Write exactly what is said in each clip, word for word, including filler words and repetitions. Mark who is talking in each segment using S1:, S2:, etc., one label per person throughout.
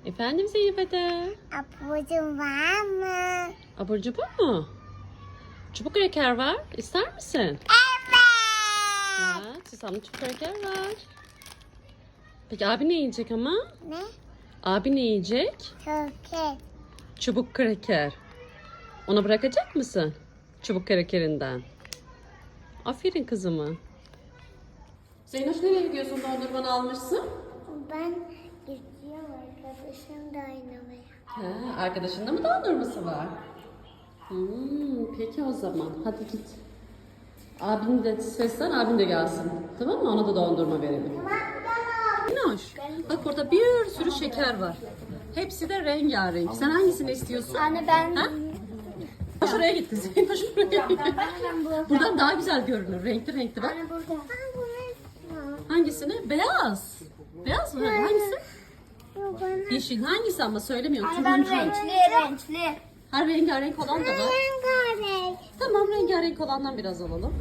S1: Efendim Zeynep Ede?
S2: Apucum var mı?
S1: Abur cubur mu? Çubuk kraker var. İster misin?
S2: Evet.
S1: Evet. Susamlı çubuk kraker var. Peki abi ne yiyecek ama?
S2: Ne?
S1: Abi ne yiyecek?
S2: Türkiye.
S1: Çubuk kraker. Ona bırakacak mısın? Çubuk krakerinden. Aferin kızıma. Zeynep nereye gidiyorsun? Dondurmanı almışsın.
S2: Ben gidiyorum arkadaşım da oynamaya.
S1: He, arkadaşında mı dondurması var? Hmm, peki o zaman. Hadi git. Abini de seslen, abin de gelsin. Tamam mı? Ona da dondurma verelim. Minnoş, bak burada bir sürü şeker var. Hepsi de rengarenk. Sen hangisini istiyorsun?
S2: Anne ben...
S1: Ha? Şuraya gitti. Zeynep şuraya gitti.
S2: Ben burada.
S1: Buradan daha güzel görünür. Renkli renkli bak.
S2: Anne burada. Ben bunu istiyorum.
S1: Hangisini? Beyaz. Beyaz mı? Hangisi?
S2: Bu bana.
S1: Yeşil. Hangisi ama söylemiyorum.
S2: Anne ben
S1: Turuncu.
S2: renkli renkli.
S1: Her rengarenk olan da var.
S2: Rengarenk.
S1: Tamam, rengarenk olandan biraz alalım.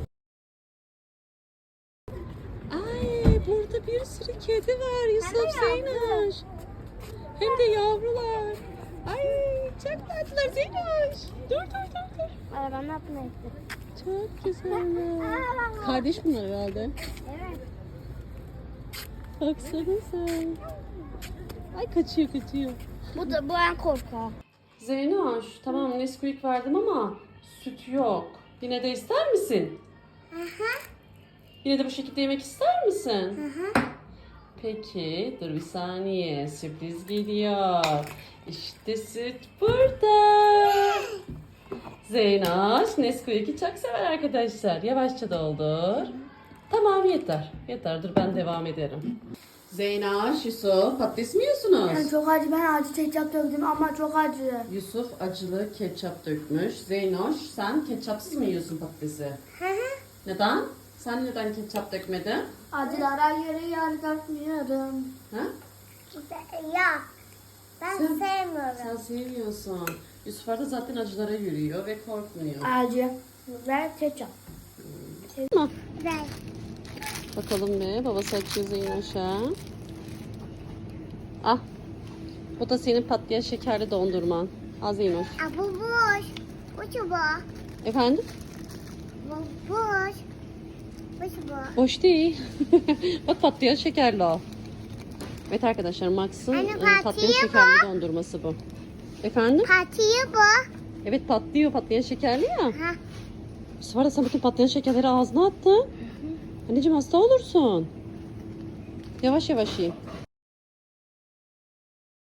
S1: Ay, burada bir sürü kedi var Yusuf, Zeynoş. Hem de yavrular. Ay, çok tatlılar Zeynoş. Dur dur dur dur.
S2: Anne ben ne yapmayı
S1: Çok güzeller. Kardeş bunlar herhalde.
S2: Evet.
S1: Baksana sen. Ay kaçıyor kaçıyor.
S2: Bu da bu en korkak.
S1: Zeynoş, tamam Nesquik verdim ama süt yok. Yine de ister misin?
S2: Hı hı.
S1: Yine de bu şekilde yemek ister misin?
S2: Hı hı.
S1: Peki, dur bir saniye. Sürpriz geliyor. İşte süt burada. Zeynoş, Nesquik'i çok sever arkadaşlar. Yavaşça doldur. Tamam yeter. Yeter, dur ben devam ederim. Zeynoş, Yusuf, patates mi yiyorsunuz?
S2: Yani çok acı, ben acı ketçap döktüm ama çok acı.
S1: Yusuf acılı ketçap dökmüş. Zeynoş, sen ketçapsız mı yiyorsun patatesi?
S2: Hı hı.
S1: Neden? Sen neden ketçap dökmedin?
S2: Acılara göre yani dökmüyorum.
S1: Ha?
S2: Yok. Ben
S1: Sen-
S2: sevmiyorum.
S1: Sen sevmiyorsun. Yusuf da zaten acılara yürüyor ve korkmuyor.
S2: Acı ve ketçap.
S1: Tamam.
S2: Ben.
S1: Bakalım ne? Babası açıyor Zeynoş'a. Ah. Bu da senin patlayan şekerli dondurman. Al Zeynoş.
S2: Aa, bu boş. Bu çubuğu.
S1: Efendim?
S2: Bu boş. Bu çubuğu.
S1: Boş değil. Bak patlayan şekerli o. Evet arkadaşlar Max'ın
S2: Anne,
S1: e, patlayan
S2: patlıyor
S1: şekerli dondurması bu. Efendim?
S2: Patiği bu.
S1: Evet patlıyor, patlayan şekerli ya.
S2: Ha.
S1: Bu sefer de sen bütün patlayan şekerleri ağzına attın. Anneciğim hasta olursun. Yavaş yavaş ye.